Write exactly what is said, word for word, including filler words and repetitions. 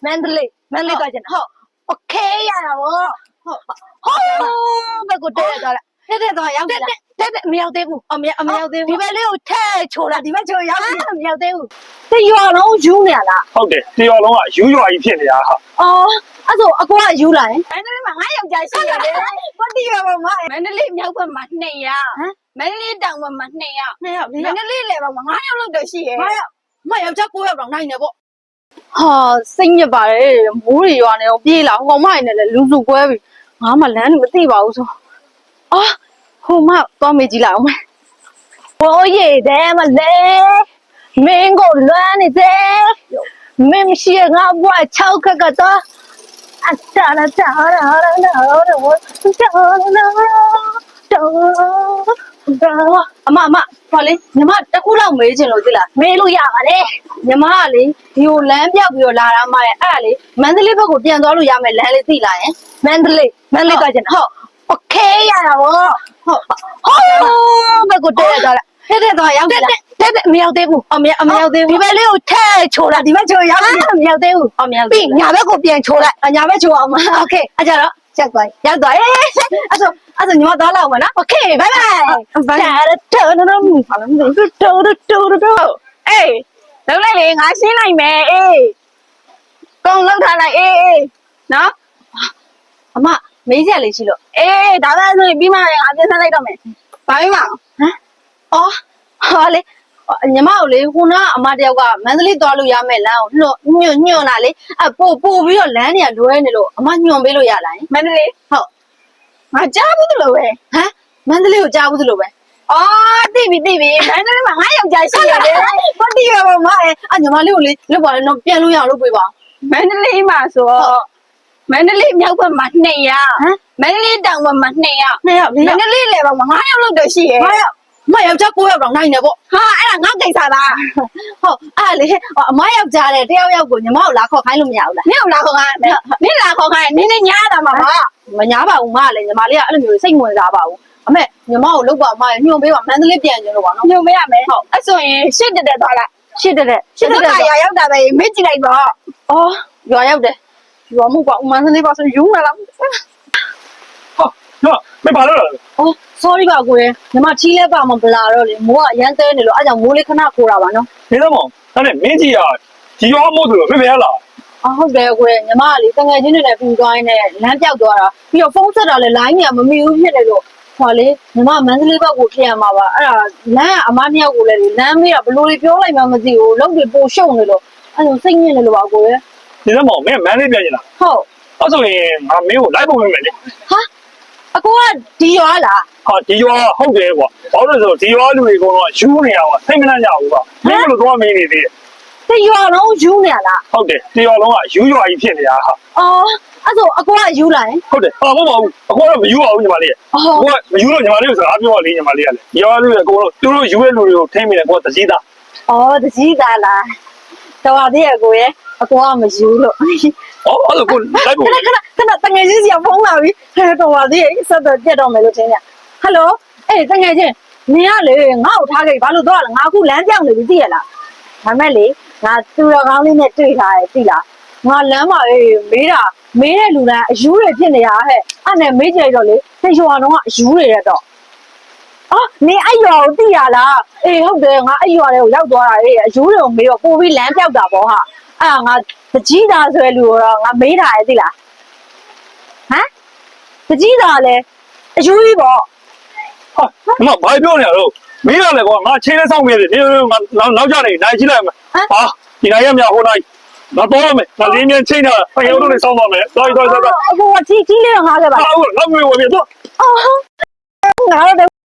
မန္တလေးမန္တလေးသွားချင်ဟုတ်โอเคရတာဗောဟုတ်ဟုတ်ဘယ်ကိုတဲသွားလဲတဲတဲသွားရောက်ပြီလားတဲတဲမရောက်သေးဘူးအမအမရောက်သေးဘူးဒီဘက်လေးကိုထဲချိုးလာဒီဘက်ချိုးရောက်ပြီမရောက်သေးဘူးတရွာလုံးယူနေရလားဟုတ်တယ်တရွာလုံးကယူရွာကြီးဖြစ်နေတာဟာအော်အဲ့ဆိုအကွာယူလာရင်မန္တလေးမှာငါယောက်ျားရှိရတယ်ဘာတရွာမှာမန္တလေးမြောက်ဘက်မှာနှစ်ယောက်မန္တလေးတောင်ဘက်မှာနှစ်ယောက်နှစ်ယောက်မန္တလေးလေဘက်မှာငါးယောက်လောက်တော့ရှိရဲ့ငါးယောက်မယောက်ျားကိုးယောက်တော့နိုင်နေပေါ့ဟာစိတ်ညစ်ပါတယ်မိုးတွေရွာနေတော့ပြေးလာဟိုကောင်မနေလေလူစုကွဲပြီငါမှလမ်းမသိပါဘူးဆိုအော်ဟိုမသွားမေးကြည့်လိုက်အောင်ဘိုးရည်တယ်မလဲမင်းကိုလွမ်းနေတယ်မင်းရှိငါဘွား၆ခက်ကတော့အတားတာတားတာတာတော့တော့အမအမဟောလေညီမတခုလောက်မေးချင်လို့သိလားမေးလို့ရပါလေညီမကလေဒီကိုလမ်းပြောက်ပြီးတော့လာတာမှရဲ့အဲ့ဒါလေမန္တလေးဘက်ကိုပြန်သွားလို့ရမယ်လမ်းလေးသိလားယင်မန္တလေးမန္တလေးသွားချင်ဟုတ်โอเคရတာဗောဟုတ်ဟုတ်ဘယ်ကိုတဲသွားလဲတဲတဲသွားရောက်ပြီလားတဲတဲမရောက်သေးဘူးအမအမရောက်သေးဘူးဒီဘက်လေးကိုထဲချိုးလာဒီဘက်ချိုးရောက်ပြီမရောက်သေးဘူးအမရောက်ပြီညာဘက်ကိုပြန်ချိုးလိုက်ညာဘက်ချိုးအောင်မโอเคအဲ့ကြတော့ချက်သွားရောက်သွားရေးအဲ့ဆိုအဲ့ဆိုညီမသွားလောက်မယ်နော်โอเคဘိုင်ဘိုင်ဘာလဲတော်တော်တော်ဘာလဲတော်တော်တော်တော်အေးလောက်လိုက်လေငါရှင်းလိုက်မယ်အေးကောင်းလောက်ထားလိုက်အေးအေးနော်အမမေးကြလေးရှိလို့အေးဒါပဲဆိုရင်ပြီးမှငါပြန်ဆက်လိုက်တော့မယ်ဘာပြီးမှဟမ်အော်ဟာလေညီမကိုလေခုနကအမတယောက်ကမန္တလေးသွားလို့ရမယ်လမ်းကိုညွန့်ညွန့်လာလေအပို့ပို့ပြီးတော့လမ်းတွေကလွဲနေလို့အမညွန့်ပေးလို့ရလားမန္တလေးဟုတ်ငါကြားဘူးလို့ပဲဟမ်မန္တလေးကိုကြားဘူးလို့ပဲအော်သိပြီသိပြီမန္တလေးမှာငါယောက်ျားရှိရတယ်ဘာတိရပါမအဲအညီမလေးကိုလေလောက်ပါလေတော့ပြန်လို့ရလို့ပြေးပါမန္တလေးမှာဆိုတော့မန္တလေးမြောက်ဘက်မှာနှစ်ယောက်မန္တလေးတောင်ဘက်မှာနှစ်ယောက်နှစ်ယောက်မန္တလေးလေဘက်မှာငါးယောက်လောက်တော့ရှိရဲ့ငါးယောက်မယောက်ျားကိုးယောက်တော့နိုင်နေပေါ့ဟာအဲ့ဒါငါကိစ္စလားဟုတ်အဲ့လေအမယောက်ျားတဲ့တယောက်ယောက်ကိုညီမကိုလာခေါ်ခိုင်းလို့မရဘူးလားနင့်ကိုလာခေါ်ခိုင်းမယ်နင့်လာခေါ်ခိုင်းနင်းနေညားတာမှာမညားပါဘူးမလည်းညီမလေးကအဲ့လိုမျိုးစိတ်ဝင်စားပါဘူးအမေညီမကိုလောက်ပါမညွှန်ပေးပါမန္တလေးပြန်ကျင်လို့ပါနော်ညွှန်ပေးရမယ်ဟုတ်အဲ့ဆိုရင်ရှစ်တက်တက်သွားလိုက်ရှစ်တက်တက်ရှစ်တက်တက်ရွာရောက်တာပဲမေ့ကြည့်လိုက်တော့အော်ရွာရောက်တယ်ရွာမှုကမန္တလေးပါဆိုယူမလားဟာနော်မပါလို့လားအော် sorry ပါကိုရညီမချီးလဲပါမပလာတော့လေမိုးကအရန်တဲနေလို့အဲ့ကြောင့်မိုးလေးခဏခိုးတာပါနော်နေတော့မောင်ဒါနဲ့မင်းကြီးကဒီရွာမို့ဆိုတော့မပြောလားအော်ဟုတ်တယ်ကိုရညီမကလေတငယ်ချင်းတွေနဲ့ပူသွားရင်းနဲ့လမ်းပြောက်သွားတာပြီးတော့ဖုန်းဆက်တာလည်း line ကမမီဘူးဖြစ်နေလို့ဟောလေညီမမန္တလေးဘက်ကိုထည့်ရမှာပါအဲ့ဒါလမ်းကအမနှစ်ယောက်ကိုလည်းလမ်းမေးတာဘယ်လိုတွေပြောလိုက်မှမသိဘူးလုံးတွေပိုရှုံနေလို့အဲ့လိုစိတ်ညစ်နေလို့ပါကိုရနေတော့မောင်မင်းမန္တလေးပြန်ကျင်လားဟုတ်အဲ့ဆိုရင်ငါမင်းကိုလိုက်ပုံပေးမယ်လေဟာအကိုကဒီရွာလားဟာဒီရွာဟုတ်တယ်ကွာဘာလို့လဲဆိုတော့ဒီရွာလူတွေကတော့ယူနေရအောင်စိတ်မနှံ့ကြဘူးကွာမင်းတို့တော့မင်းနေသေးတယ်ဒီရွာလုံးယူနေရလားဟုတ်တယ်ဒီရွာလုံးကယူရွာကြီးဖြစ်နေတာဟာအော်အဲ့ဆိုအကိုကယူလာရင်ဟုတ်တယ်ဟာမဟုတ်ပါဘူးအကိုကတော့မယူပါဘူးညီမလေးအကိုကမယူတော့ညီမလေးကိုစကားပြောပါလေညီမလေးကလေရွာလူတွေအကိုတော့သူတို့ယူတဲ့လူတွေကိုထိမ့်မိတယ်ကိုကတကြီးသားအော်တကြီးသားလားတော်သေးရဲ့ကိုရဲ့အကိုကမယူလို့အော်အဲ့လိုကိုလိုက်ဖို့ခဏခဏခဏတငယ်ချင်းစီကဖုန်းလာပြီဟဲ့တော်ပါသေးရဲ့ဆက်တော့ပြတ်တော့မယ်လို့ထင်ကြဟယ်လိုအေးတငယ်ချင်းနင်ကလေငါ့ကိုထားခဲ့ဘာလို့တော့လဲငါအခုလမ်းပြောင်းနေပြီသိရလားဒါမဲ့လေငါသူတော်ကောင်းလေးနဲ့တွေ့ထားတယ်သိလားငါလမ်းမှာလေမေးတာမေးတဲ့လူတိုင်းအယူတွေဖြစ်နေတာဟဲ့အဲ့နဲ့မေးကြိုက်တော့လေတရွာတော့ကအယူတွေရတော့အော်နင်အဲ့ရွာကိုသိရလားအေးဟုတ်တယ်ငါအဲ့ရွာတွေကိုရောက်သွားတာလေအယူတွေကိုမေးတော့ပို့ပြီးလမ်းပြောက်တာပေါ့ဟာအဲ့ငါတကြီးသားဆိုတဲ့လူတော့ငါမေးထားတယ်သိလားဟမ်တကြီးသားလည်းအယူကြီးပေါ့ဟာမဘာပြောနေရတော့မင်းကလည်းကွာငါချင်းလေးစောင့်နေတယ်ဒီငါနောက်ကြနေနိုင်ကြည့်လိုက်မယ်ဟာဒီနိုင်ရမြဟိုနိုင်ငါတော့မယ်ငါလင်းမြန်ချင်းတာဖျော်တို့လေးစောင့်ပါမယ်တော်တော်တော်အကိုကကြီးကြီးလေးတော့ငါခဲ့ပါဟုတ်ငါ့မေဝင်ပြီတော့အော်ငါတော့